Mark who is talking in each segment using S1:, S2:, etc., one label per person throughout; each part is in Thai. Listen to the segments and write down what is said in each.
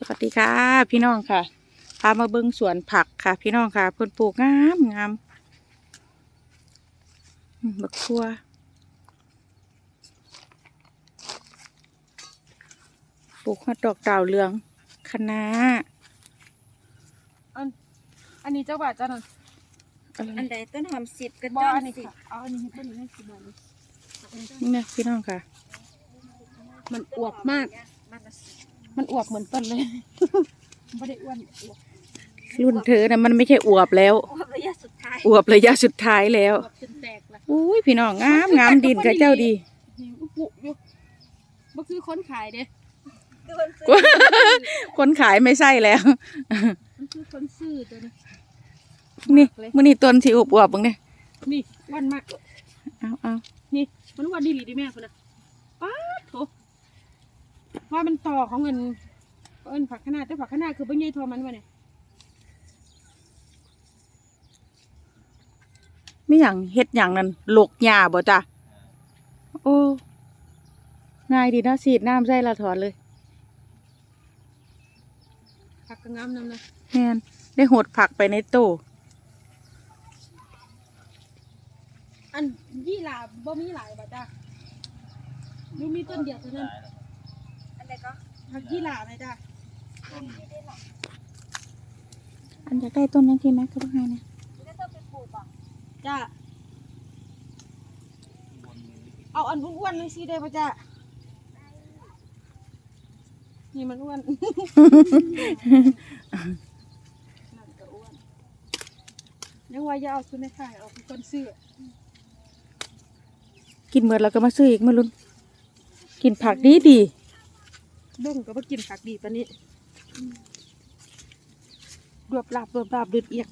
S1: วัสดีค่ะพี่น้องค่ะพามาเบิ่งสวนผักค่ะพี่น้องค่ะเพิ่นปลูกงามงามบักทั่วปลูกฮอดดอกดาวเรืองคะน้า
S2: อันนี้เจ้าบ่าวเจ้าหน่อย
S3: อันใดต้นหอม10กับ
S2: บ่
S3: ต้
S2: อัน
S3: น
S2: นี้
S3: 10
S2: ค่ะเอาอันนี้ให้ต้นนี้ให้10 บาทเลย
S1: นี่นะพี่น้องค่ะ
S2: มันอวบมาก
S3: มันละ
S2: มันอวบเหมือนต้นเลย ไม่ได้อ้วนอวบ
S1: รุ่นเธอนะมันไม่ใช่อวบแล้ว
S3: อวบระยะสุดท้าย
S1: อวบระยะสุดท้ายแล้ว
S2: อวบจนแตกละ
S1: อุ้ยพี่น้องงามงามดินกับเจ้าดี
S2: หิวปุอยู่บ่คือคนขายเด้
S1: คนขายไม่ใช่แล้ว
S2: มันคือคนซื้อตัวนี้
S1: นี่มื้อนี้ต้นสิอวบๆเบิ่งเนี่ย
S2: นี่อ้วนมาก
S1: เอา
S2: นี่มันอ้วนดีหลีดีแม่คนน่ะป๊าดโถว่ามันต่อของเงินผักคะน้าแต่ผักคะน้าคือบ่ใหญ่เท่ามันวะเนี่ย
S1: มีหยังเฮ็ดหยังนั่นหลกหญ้าบ่จ้ะโอ้ง่ายดีนะฉีดน้ำใส่ละถอนเลย
S2: ผักกระงามนำนะ
S1: แม่นได้หดผักไปในตู้
S2: อันยี่หลาบ่มีหลายบ่จ้ะดูมีต้นเดียวเท่านั้น
S3: อันใดก็
S2: ผักยี่หลาไหมจ้ะ
S1: อันอยากได้ต้นนั้นทีไหมก็ต้องให้นะ
S3: แล้วต้องไปปลูกบ่
S2: จ้ะเอาอันอ้วนๆเลยสิได้ป่ะจ้ะนี่มันอ้วน นั่นก็อ้วนยังว่าอย่าเอาซุนในข่ายเอาเป็นคนซื้อ
S1: กินเมื่อเราก็มาซื้ออีกมาลุ้นกินผักดีดี
S2: ดงก็บ่กินผักดีปานนี้รวบลาบเดือดเอียก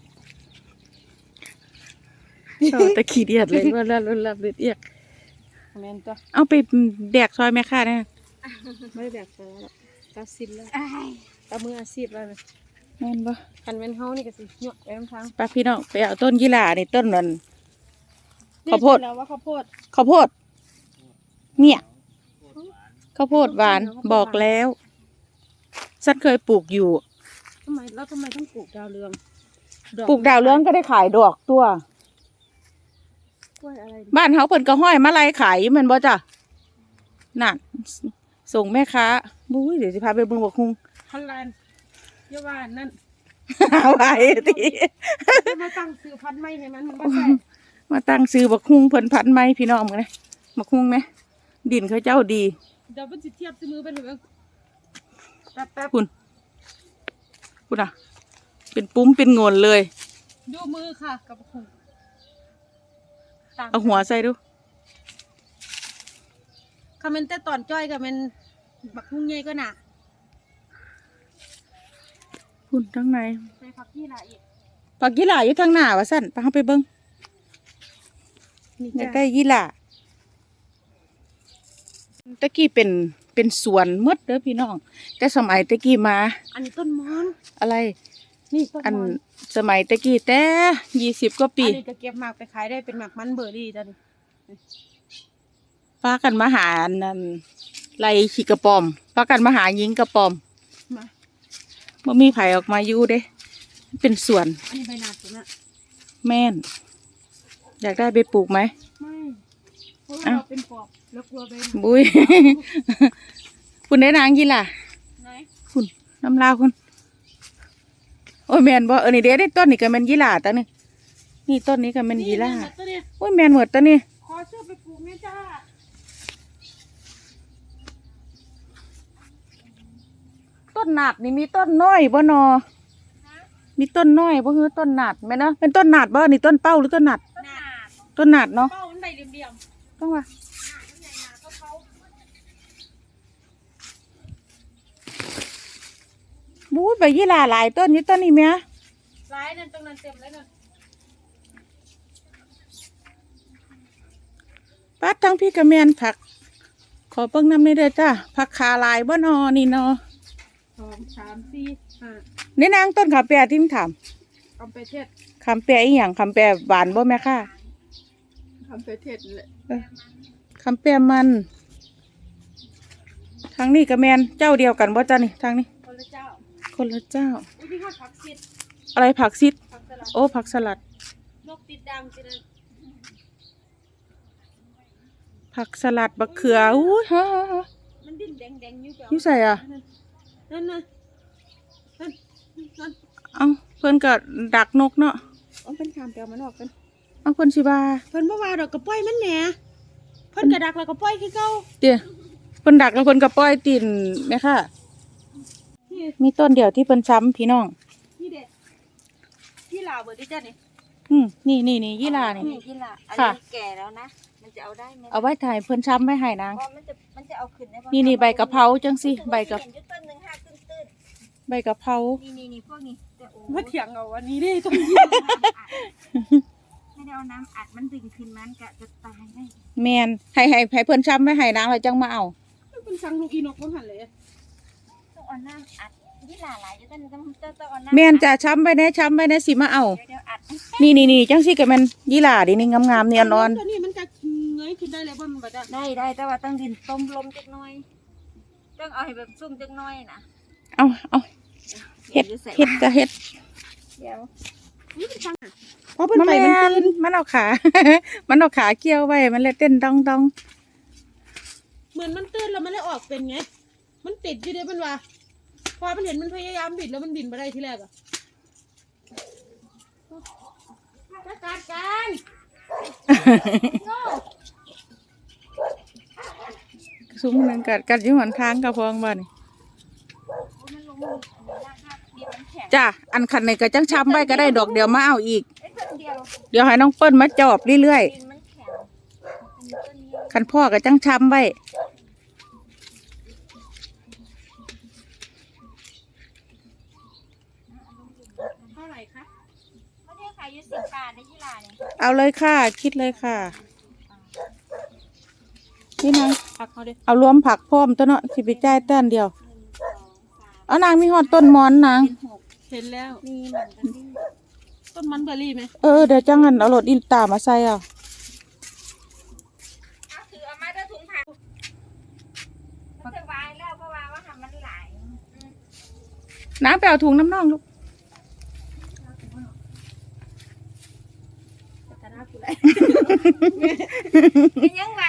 S1: ชอบตะขี้เดียดเลยว่าละละเลือดเอียก
S2: แม่นตัว
S1: เอาไปแดกซอยแม่ค้านะ
S2: ไม่ได้แบบนั้นหรอกตาซิมแล้ว
S3: อ้าย
S2: ตามืออาชีพแล้วนะ
S1: แม่นบ่
S2: คันแม่นเฮานี่ก็สิเหยาะไปทาง
S1: ป้าพี่น้องไปเอาต้นยี่หร่านี่ต้นนั้น ข้าวโพด
S2: แล้วว่าข้าวโพด
S1: ข้าวโพดเนี่ยข้าวโพดหวานบอกแล้วฉันเคยปลูกอยู่
S2: ทำไมต้องปลูกดาวเรือง
S1: ปลูกดาวเรืองก็ได้ขายดอกตัว
S2: กล้วยอะไร
S1: บ้านเฮาเพิ่นก็ห้อยมาลัยขายอยู่แม่นบ่จ้ะนั่นส่งแม่ค้าบุ้ยเดี๋ยวสิพาไปเบิ่งบักฮุง
S2: พันลานเยาว่านั่น
S1: หาไว้ติ
S2: มาตั้งซื้อพันธุ์ไม่ให้มันบ่ใช่
S1: มาตั้งซื้อบักฮุงเพิ่นพันไหมพี่น้องมึงนะบักฮุงไหมดินเขาเจ้าดี
S2: เดี๋ยวมันสิเทียบซื้อมือไปเลยเบิ่งแป๊บ
S1: คุณอ่ะ เป็นปุ้มเป็นโงนเลย
S2: ๆดูมือค่ะกับของต่าง
S1: เอาหัวใส่ดู
S2: คอมเมนต์แต่ตอนจ้อยกับมันบักหุ่งใหญ่ก็หนา
S1: คุณทั้งใน
S2: ใส่ผักยี่หร่าอีก
S1: ผักยี่หร่าอยู่ทางหน้าว่าสั่นไปเฮาไปเบิ่ง
S2: นี่
S1: อยาก
S2: จ้ะ
S1: ได้ยี่หร่าตะกี้เป็นสวนหมดเด้อพี่น้อง แต่สมัยตะกี้มา
S2: อันนี้ต้นมอน
S1: อะไร
S2: นี่ต้น
S1: อัน
S2: มอน
S1: สมัยตะกี้แต่20 กว่าปี
S2: อันนี้ก็เก็บหมากไปขายได้เป็นหมากมันเบอร์รี่จ้ะนี่
S1: พากันมาหาอันนั่นไล่ขี้กระปอมพากันมาหาหญิงกระปอม
S2: มา
S1: บ่มีไผออกมาอยู่เด้ เป็นสวน
S2: อันนี้ใบหนาดตัวน่ะ
S1: แม่น อยากได้ไปปลูกไหม
S2: ไม่เพราะว่า
S1: อ้าว
S2: เราเป็นปอบแล้วกลัวใบหนาด
S1: บุ้ย คุณได้นางยี่ล่ะ
S2: ไหน
S1: คุณน้ำลาวคุณโอ้ยแมนบ่นี่เด้ได้ต้นนี่ก็แมนยี่ล่าตานี่นี่ต้นนี้ก็แมนยี่ล่า
S2: นี่ตัวนี้
S1: โอ้ยแมนหมดตานี่
S2: ขอช่วยไปปลูกแม่จ้า
S1: ต้นหนาดนี่มีต้นน้อยบ่นอมีต้นน้อยบ่คือต้นหนาดแม่นเนาะเป็นต้นหนาดบ่นี่ต้นเป้าหรือต้นหนาด
S2: หนาด
S1: ต้นหนาดเนาะ
S2: เป้ามันใบเหลี่ยม
S1: ต้องว่า
S2: ๆหนามันใหญ่หนาเขา
S1: บู๊ยใบยี่ล่าหลายต้นอยู่ต้นนี้แม่
S2: ร้ายนั่นตรงนั้นเต็มแล้วนั่น
S1: ปัดทั้งพี่กระแมนผัก ขอเบิ่งน้ำนี่เด้อจ้าผักขาลายบ่นอนี่นอ
S2: 2 3 4 5
S1: นี่นางต้นขาแปรที่มึงถาม
S2: คำไปเทศ
S1: คำแปรอีหยังคำแปรหวานบ่แม่ค่ะ
S2: คำไปเทศแหละ
S1: คำแปรมันทางนี้กระแมนเจ้าเดียวกันบ่จ้านี่ทางนี้
S2: คนละ
S1: คนละเจ้า
S2: อุ้ยที่ข้าวผักซิด
S1: อะไรผักซิด
S2: ผักสลัด
S1: โอ้ผักสลัด
S2: นกติดดังจินะ
S1: ผักสลัดบักเขืออุ้ยฮะ
S2: มันดิ้นแดงๆอยู่เปล่า
S1: อยู่ใส่อ่ะ
S2: นั่นนั่นนั่น
S1: เอ้าเพิ่นก็ดักนกเนาะ
S2: เอาเป็นขามเปลวมันออกกัน
S1: เอ้าเพิ่นสิว่า
S2: เพิ่นบ่ว่าดอกกระป้อยมันแหน่เพิ่นกระดักแล้วก็ป้อยคือเก่า
S1: เดี๋ยวเพิ่นดักแล้วเพิ่นก็ปล่อยตีนแม่ค่ะ
S2: นี่
S1: มีต้นเดียวที่เพิ่นช้ำพี่น้อง
S2: นี่เด็ดที่ลาวเบิดดิจ้ะนี่
S1: นี่ยี่ลานี่
S3: นี่ล่ะอัน
S1: ค่ะ
S3: นี้แก่แล้วนะ มันจะเอาได้ไหม
S1: เอาไว้ถ่ายเพิ่นช้ำไว้ให้นาง
S3: เพราะมันจะเอาขึ้นได้ปะ
S1: นี่ใบกะเพราจังสิใบกะ
S3: เห็นอยู่ต้นหนึ่งห้าตื้น
S1: ใบกะเพรา
S3: ๆนี่พวกนี้แต่โอ้
S2: มาเถียงเอาอันนี้ดิต้อง
S3: ไม่ได้เอาน้ำอัดมันดึงขึ้นมันกะจะตายได้
S1: แม่นให้เพิ่นช้ำไว้ให้นางแล้วจังมาเอา
S2: เป็นสังลูกอีนกบ่หันเลย
S3: ต้องเอาน้ำอัดยี่หลาหลายอยู่ต้นต้องเอาน้ำ
S1: แม่นจะช้ำไว้แน่สิมาเอา
S3: เดี๋ยวอัด
S1: นี่จังสิก็แม่นยี่ลาดินี่งามๆเนียนอ่อน
S2: ตัวนี้มันจะเงยขึ้นได้เลยบ่มันบ่ได้
S3: ได้แต่ว่าต้องดินต้มลมจักหน่อย ต้องเอาให้แบบซุ่มจักหน่อยนะ
S1: เอาเฮ็ดก็เฮ็ด
S3: เดี๋ยว
S2: นี่เป็นสังเพราะเพิ่น
S1: มัน
S2: ไป
S1: แม่
S2: มัน
S1: น
S2: ตื่น
S1: มันเอาขา มันเอาขาเกี่ยวไว้มันเลยเต้นดอง
S2: เหมือนมันตื่นแล้วมันเลยออกเป็นไงมันติดอยู่เด้มันว่าพอมันเห็นมันพยายามบิดแล้วมันบินบ่ได้ทีแรกอ่ะจัดการกัน
S1: ๆซุ้มนึงกัดอยู่หนทางกับพองบ่นี่
S3: มันลงมือลากเดียวมันแข็ง
S1: จ้ะอันคันนี้ก็จังช้ำไว้ก็ได้ดอกเดียวมาเอาอีก
S3: ไอ้ต้นเดียว
S1: เดี๋ยวให้น้องเปิ้ลมาจอบเรื่อย
S3: ดินมันแข็งอันนี้ต้นนี้
S1: ๆคันพ่อก็จังช้ำไว้
S2: เท่าไหร่คะ
S3: ไม่ได้ขายอยู่10 บาทในยี่หร่าเนี่ย
S1: เอาเลยค่ะ คิดเลยค่ะนี่นาง
S2: ผักเขาเด้
S1: เอารวมผักพร้อมตัวเนาะสิไปจ่ายเต้นเดียว เอานางมีฮอดต้นมอนนาง
S3: เป็น6
S2: เห็นแล้ว
S3: มีเหมือนกันที่
S2: ต้นมันเบอร์รี่ไหม
S1: เดี๋ยวจังหันเอารถอินตามาใส่เอา
S3: เอาถือเอามาด้วยถุงผักมันจะวายแล้วเพราะว่าทำมันหลาย
S1: น้ำไปเอาถุงน้ำน่องลูก
S3: แต่ถ้ากูได้เป็นยังวะ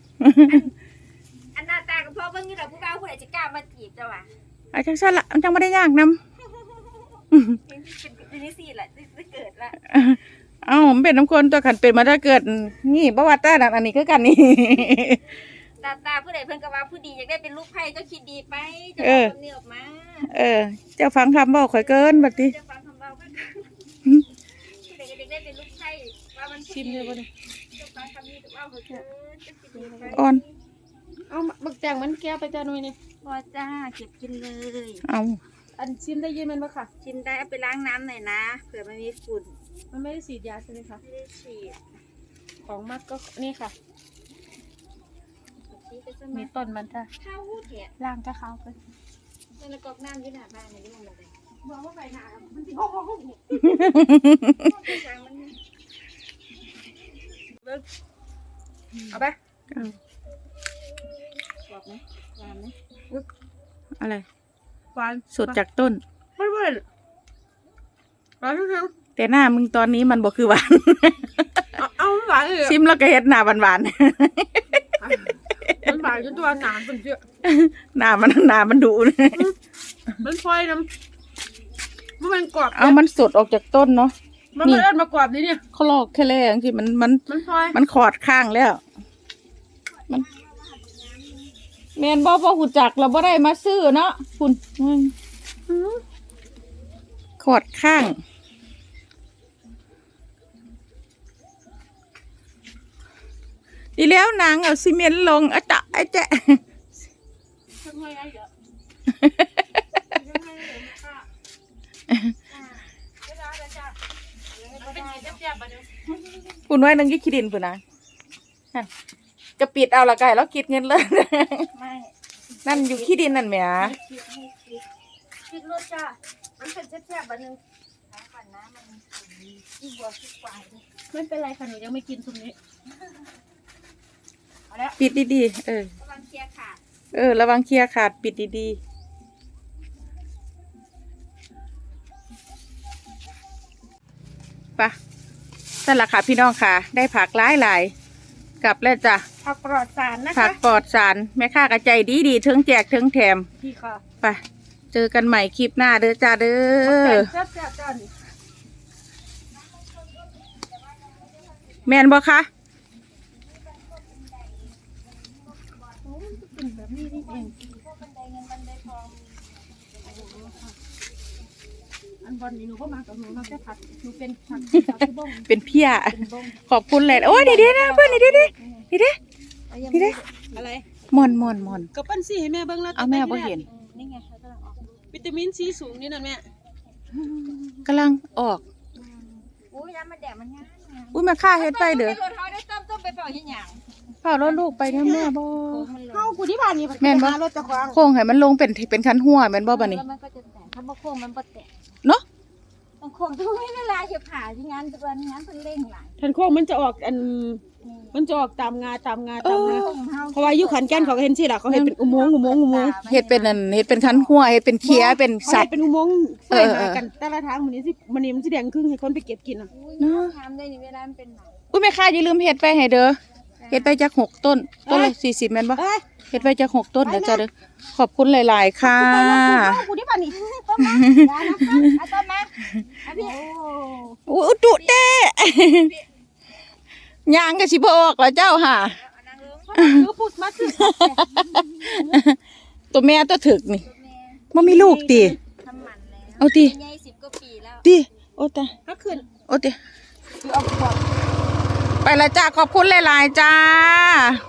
S3: อันหน้าตากับพ่อเบิ่งนี่แหละผู้บ่าวผู้ใดจะกล้ามาจีบเจ้าวะ
S1: เอาจังซั่นละมันจังไม่ได้ยากนำ
S3: เป็นนี่สิแหละจะเกิดละ
S1: เอ้ามันเป็นน้ำคนตัวขันเป็นมาถ้าเกิด นี่บ่ว่าแต่อันนี้คือกันนี่
S3: ตาผู้ใดเพิ่นก็ว่าผู้ดีอยากได้เป็นลูกไผ่เจ้าคิดดีไปเจะ
S1: เออ
S3: ทำนี่ออกมา
S1: เจ้าฟังคำบอกข่อยเกินบัดนี้
S3: จะฟังคำเราเพิ่นผู้ใดก็อยากได้เป็นลูกไผ่ว่ามัน
S2: ชิมเลยบ่เนี่ย
S3: จะฟังคำนี้จะว่าเขาเกินจะคิดดีไป
S1: อ่อน
S2: เอาบักแจงมันแก้ไปจ้าหน่อยนี่
S3: พอจ้าเก็บกินเลย
S1: เอา
S2: อันชิมได้ยินมันปะค่ะ
S3: ชิมได้เอาไปล้างน้ำหน่อยนะเผื่อมันมีฝุ่น
S2: มันไม่ได้ฉีดยาใช่ไหมคะ
S3: ไม่ได้ฉีด
S2: ของมักก็นี่ค่ะ
S3: นี่ก็จะ
S2: มี
S3: มา
S2: ต้นมันจ้ะ
S3: ข้าวหูเถีย
S2: ล่างก็เข้าไป
S3: นั่นกอกน้ำอยู่หน้าบ้านนี่มันเลย
S2: บอกว่าไปหนามันสิโอ้โห
S3: ช้างมัน
S2: เอาไป
S1: เอา
S3: บอกไหมหวานไหม
S1: อะไร
S2: หวาน
S1: สดจากต้น
S2: ไม่เว้ยหวานทั้ง
S1: แต่หน้ามึงตอนนี้มันบอกคือหวาน
S2: ๆเอาหวานเลย
S1: ซิมแล้วก็เฮ็ดหน้าหวาน
S2: มันหวานจนตัวหนามเป็นเยอะ
S1: ๆหน้ามันดุเลย
S2: มันพลอยน้ำมันกรอบ
S1: เอามันสดออกจากต้นเนาะ
S2: มันไม่เอิ้นมากรอบนี่เนี่ย
S1: เขาลอกแค่แรงที่มัน
S2: มันพลอย
S1: มันขอดข้างแล้ว มันแมนบ่หูจักเราบ่ได้มาซื้อเนาะคุณขอดข้างดีแล้วนางเอาซีเมนต์ลงอะจ๊ะไอ้แจ๊ะ
S2: มันพลอยอะไรเหรอ
S1: คุณไว้นึงยี่ขี้ดินปุ่นนะนั่นจะปิดเอาละไก่แล้วคิดเงินเลย
S3: ไม่
S1: นั่นอยู่ขี้ดินนั่นแหม
S3: คิดรสจ้ามันเป็นแซ่บๆอันนึงน้ำก่อนนะมันที่บัวที่ควายเลย
S2: ไม่เป็นไรค่ะหนูยังไม่กินตรงนี้
S3: เอาแล้ว
S1: ปิดดีๆ
S3: กำลังเคลียร์ขาด
S1: ระวังเคลียร์ขาดปิดดีไปนั่นแหละค่ะพี่น้องค่ะ ได้ผักหลายๆกลับแล้วจ้ะ
S2: ผักปลอดสารนะ
S1: ผั
S2: คะ
S1: กปลอดสารแม่ค้ากระใจดีๆถึงแจกถึงแถม
S2: พี่ค่ะ
S1: ไปเจอกันใหม่คลิปหน้าเด้อจ้าเด้อ
S2: แซ่บๆจ้านี่
S1: แม่นบ่คะ
S2: เป็นแบบนี้นี่เอง
S3: บันไดเงินบันไดทอง
S2: อันบอลนี่หนูก็มากับหนูมาแค่ผัดหนูเป็นผัดผัดบ้ง
S1: เป็นเพี้ย
S2: เป็นบ้ง
S1: ขอบคุณเลยโอ้ยดีๆนะเพื่อนดีๆดีๆดีๆดีๆ
S2: อะไร
S1: ม่อน
S2: กับปั้นสีให้แม่เบิ่งแล้ว
S1: เอาแม่บ่เห็น
S3: นี่ไงเขากำลังออก
S2: วิตามินซีสูงนี่นั่นแม่
S1: กำลังออก
S3: อู้ยน้ำมันแดดมันง่าย
S1: อุ้ยแม่ค้าเฮ็ดไปเด้อ
S3: รถเขาได้ต้มไปเปล่าที่หยัง
S1: เฝ้ารถลูกไปเนี่ยแม่บ่
S2: เข้ากูที่บ้านนี่
S1: แม่นบ่
S2: รถจะควาง
S1: โค้งให้มันลงเป็นคันหัวแม่นบ่บัดนี้
S3: แล้วมันก็จะแตกถ้าบ่โค้งมันบ่แตก
S1: เนาะ
S3: ต้องโค้งต้องไม่เวลาจะผ่าที่งานตัวนี้งานเพิ่นเร่งหลาย
S2: ทันโค้งมันจะออกมันจะออกตามงาตามงา
S1: เออ
S2: เพราะว่าอยู่ขอนแก่นเขาก็เห็นสิล่ะเขาเห็นเป็นอุโมงค์
S1: เฮ็ดเป็นนั่นเฮ็ดเป็นคันหัวเฮ็ดเป็นเคียเป็น
S2: เขา
S1: สั
S2: เห็
S1: ต
S2: น
S1: ว์
S2: เป็นอุโมงค์ไฟ
S1: เออ
S2: หากันแต่ละทางมันนี่สิแดงครึ่งให้คนไปเก็บกินอ่ะ
S3: อุ้ย
S1: เนอะ
S3: น้ำได้นี่เวลามันเป็นหนัก
S1: อุ้ยแม่ค้าอย่าลืมเฮ็ดไปให้เด้อเฮ็ดไปจัก6ต้นต้นละ40แม่นบ่
S2: เอ้ย
S1: เฮ็ดไปจัก6ต้นเด้อจ้าเด้อขอบคุณหลายๆค่ะ
S2: เข้ากูที่บ้านนี่
S3: ต้มมาอย่านะคะเอาต้มมาเอาพี่
S1: อู้จุเต้ย่างก็สิบ่ออกแล้วเจ้าค่ะ
S3: เอานางลง
S2: คือพูดมาคือ
S1: ตัวแม่ตัวถึกนี่
S3: ตัวแม่
S1: บ่มีลูกติ
S3: ทำหมันแล้ว
S1: เอาติ
S3: ใหญ่10กว่าปีแล้ว
S1: ติโอ้ตาย
S2: ก็ขึ้น
S1: โอ้ติ
S2: คือเอาขวด
S1: ไปละจ้าขอบคุณหลายๆจ้า